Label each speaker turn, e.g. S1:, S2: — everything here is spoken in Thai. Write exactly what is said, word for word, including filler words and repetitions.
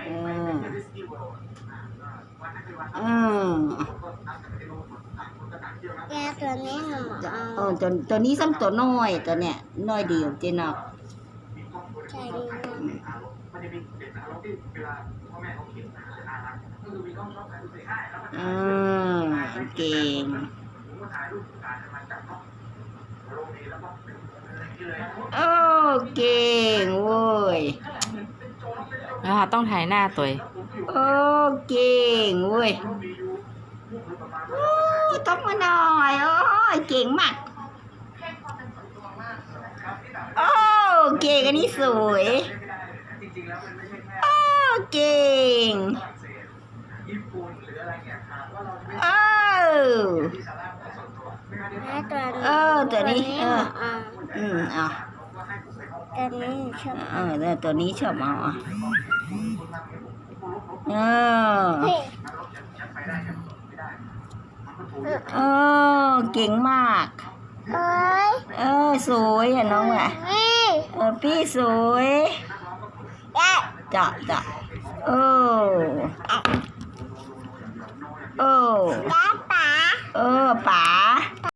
S1: อืม
S2: แกตัวนี้หนูเอา
S1: เออตัวตัวนี้ซ้ำตัวน้อยตัวเนี้ยน้อยเดียวเจนอก
S2: ใช่ดีมาก
S1: อืมเก่งโอ้เก่งเว้ย
S3: นะคะต้องถ่ายหน้าตัว
S1: โอ้เก่งเว้ยโอ้ต้องมาหน่อยโอ้ยเก่งมากโอ้เก่งอันนี้สวยโอ้เก่งเออ
S2: แม่ตัวนี้
S1: เออตัวนี้เออ
S2: เอา
S1: อืมเอา
S2: ตัวนี้ชอบ
S1: เออเนี่ยตัวนี้ชอบเอาอ่ะเออ
S2: เฮ้ย
S1: เออเก่งมาก
S2: เอ้ย
S1: เออสวยอ่ะน้องอ่ะ
S2: นี่
S1: เออพี่สวย
S2: ได้
S1: จ้ะจ้ะเออ